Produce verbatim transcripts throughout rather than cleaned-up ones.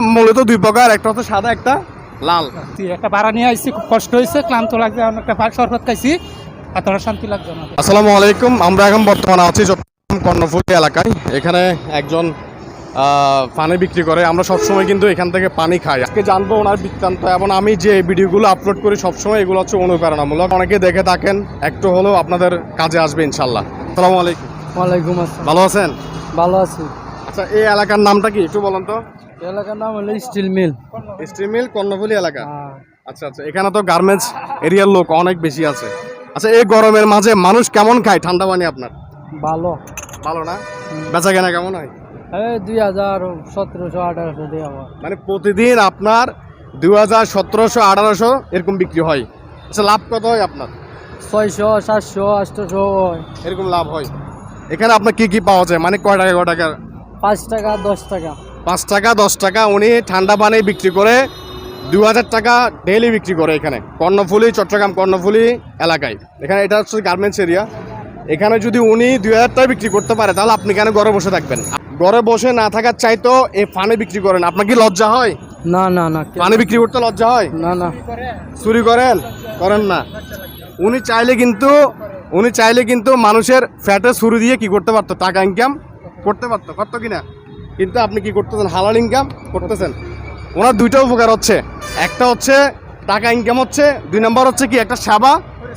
মূলত দুই প্রকার, একটা হচ্ছে সাদা, একটা লাল। একটা ভাড়া নিয়ে আসছি, খুব কষ্ট হয়েছে, ক্লান্ত লাগছে, একটা ভাগ শরবত খাইছি, এতটা শান্তি লাগছে না। আসসালামু আলাইকুম। আমরা এখন বর্তমানে আছি চট্টগ্রাম কর্ণফুলী এলাকায়। এখানে একজন পানি বিক্রি করে। আমরা সবসময় কিন্তু এখান থেকে পানি খাই। আজকে জানবো ওনার বৃত্তান্ত, এবং আমি যে ভিডিওগুলো আপলোড করি সবসময় এগুলো হচ্ছে অনুপ্রেরণামূলক। অনেকে দেখে থাকেন, একটু হলেও আপনাদের কাজে আসবে ইনশাল্লাহ। আসসালামু আলাইকুম। ওয়ালাইকুম আসসালাম। ভালো আছেন? ভালো আছি। আচ্ছা, এই এলাকার নামটা কি একটু বলেন তো? এলাকার নাম হলো steel mill. Steel mill Karnaphuli এলাকা। আচ্ছা আচ্ছা, এখানে তো গার্মেন্টস এরিয়ার লোক অনেক বেশি আছে। আচ্ছা, এই গরমের মাঝে মানুষ কেমন খায় ঠান্ডা পানি আপনার? ভালো। ভালো না? বেচা কেনা কেমন হয়? এই দুই হাজার সতেরোশো আঠারোশো দিয়ে আমার, মানে প্রতিদিন আপনার দুই হাজার সতেরোশো আঠারোশো এরকম বিক্রি হয়। আচ্ছা, লাভ কত হয় আপনার? ছয়শো সাতশো আটশোশো এরকম লাভ হয়। এখানে আপনার কি কি পাওয়া যায়, মানে কয় টাকা কয় টাকা? পাঁচ টাকা দশ টাকা। পাঁচ টাকা দশ টাকা উনি ঠান্ডা পানি বিক্রি করে দুই হাজার টাকা ডেইলি বিক্রি করে এখানে কর্ণফুলী, চট্টগ্রাম কর্ণফুলী এলাকায়। এখানে এটা হচ্ছে গার্মেন্টস এরিয়া। এখানে যদি উনি দুই হাজার টাকা বিক্রি করতে পারে, তাহলে আপনি কেন ঘরে বসে থাকবেন? ঘরে বসে না থাকার চাইতো এই পানি বিক্রি করেন। আপনার কি লজ্জা হয়? না না না, পানি বিক্রি করতে লজ্জা হয়? না না। চুরি করেন? করেন না। উনি চাইলে কিন্তু উনি চাইলে কিন্তু মানুষের ফ্যাটে ছুরি দিয়ে কি করতে পারতো, টাকা ইনকাম করতে পারতো, পারতো কিনা? কিন্তু আপনি কি করতেছেন? হালাল ইনকাম করতেছেন। ওনার দুইটা উপকার হচ্ছে, একটা হচ্ছে টাকা ইনকাম হচ্ছে, দুই নম্বর হচ্ছে কি একটা সেবা।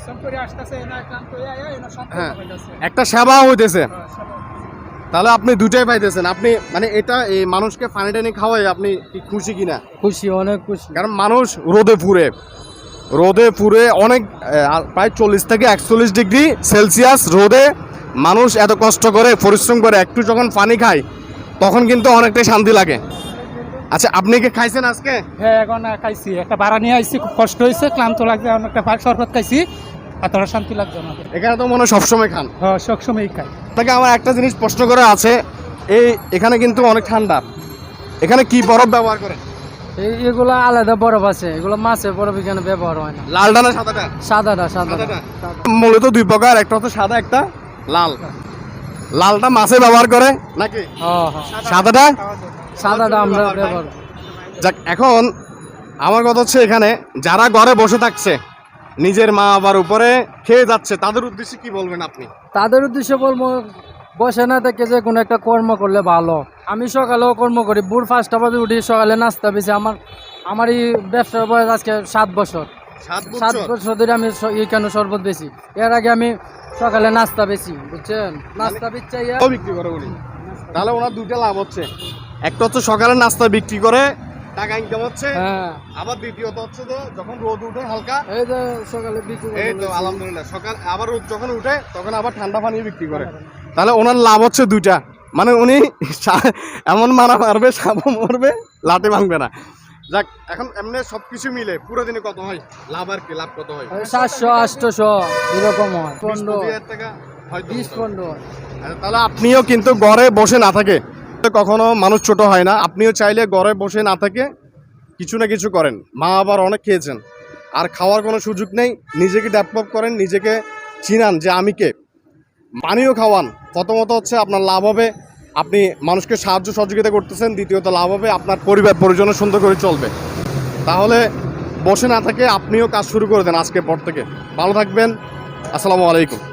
হ্যাঁ, একটা সেবা হইতেছে। তাহলে আপনি দুইটাই পাইতেছেন। আপনি মানে এটা এই মানুষকে পানি টানি খাওয়াই আপনি কি খুশি কিনা? খুশি, অনেক খুশি। কারণ মানুষ রোদে পুড়ে রোদে পুড়ে অনেক প্রায় চল্লিশ থেকে একচল্লিশ ডিগ্রি সেলসিয়াস রোদে মানুষ এত কষ্ট করে পরিশ্রম করে একটু যখন পানি খায় তখন কিন্তু অনেকটাই শান্তি লাগে। আচ্ছা, আপনি কি খাইছেন আজকে? হ্যাঁ, এখন খাইছি, একটা ভাড়া নিয়ে আসছি, খুব কষ্ট হয়েছে, ক্লান্ত লাগছে, একটা ভাগ শরবত খাইছি, এতটা শান্তি লাগছে না। এখানে তো মনে হয় সবসময় খান? হ্যাঁ, সবসময় খাই। আপনাকে আমার একটা জিনিস প্রশ্ন করে আছে, এই এখানে কিন্তু অনেক ঠান্ডা, এখানে কি বরফ ব্যবহার করেন? এগুলো আলাদা বরফ আছে, এগুলো মাছের বরফ এখানে ব্যবহার হয় না। লালটা না সাদাটা? সাদাটা। সাদাটা মূলত দুই প্রকার, একটা হচ্ছে সাদা, একটা লাল। লালটা মাছে ব্যবহার করে নাকি? সাদাটা? সাদাটা আমরা ব্যবহার। যাক, এখন আমার কথা হচ্ছে এখানে যারা ঘরে বসে থাকছে, নিজের মা বাবার উপরে খেয়ে যাচ্ছে, তাদের উদ্দেশ্যে কি বলবেন আপনি? তাদের উদ্দেশ্যে বলবো, বসে না থেকে যে কোনো একটা কর্ম করলে ভালো। আমি সকালেও কর্ম করি, ভোর পাঁচটা বাজে উঠি, সকালে নাস্তা বেশি। আমার আমার এই ব্যবসার বয়স আজকে সাত বছর। সাত বছর ধরে আমি এখানে শরবত বেশি। এর আগে আমি সকালে নাস্তা বেশি, বুঝছেন? নাস্তা বেচাইয়া বিক্রি করে উনি, তাহলে ওনার দুইটা লাভ হচ্ছে। একটা হচ্ছে সকালে নাস্তা বিক্রি করে টাকা ইনকাম হচ্ছে, হ্যাঁ। আবার দ্বিতীয়ত হচ্ছে যে যখন রোদ উঠে হালকা, এই যে সকালে বিক্রি, এই তো আলহামদুলিল্লাহ, সকাল আবার রোদ যখন উঠে তখন আবার ঠান্ডা পানি বিক্রি করে। তাহলে ওনার লাভ হচ্ছে দুইটা, মানে উনি এমন মারা মারবে, সাপও মরবে, লাঠি ভাঙবে না। যাক, এখন এমনি সবকিছু মিলে পুরো দিনে কত হয় লাভ? আর কি লাভ কত হয়? সাতশো আটশোশো এরকম হয়। পনেরো টাকা হয়, বিশ পনেরো। তাহলে আপনিও কিন্তু ঘরে বসে না থাকে, কখনো মানুষ ছোট হয় না। আপনিও চাইলে ঘরে বসে না থাকে কিছু না কিছু করেন। মা আবার অনেক খেয়েছেন, আর খাওয়ার কোনো সুযোগ নেই। নিজেকে ডেভেলপ করেন, নিজেকে চিনান যে আমি কে। পানিও খাওয়ান। প্রথমত হচ্ছে আপনার লাভ হবে, আপনি মানুষকে সাহায্য সহযোগিতা করতেছেন। দ্বিতীয়ত লাভ হবে আপনার পরিবার পরিজনের সুন্দর করে চলবে। তাহলে বসে না থাকে আপনিও কাজ শুরু করে দেন আজকের পর থেকে। ভালো থাকবেন। আসসালামু আলাইকুম।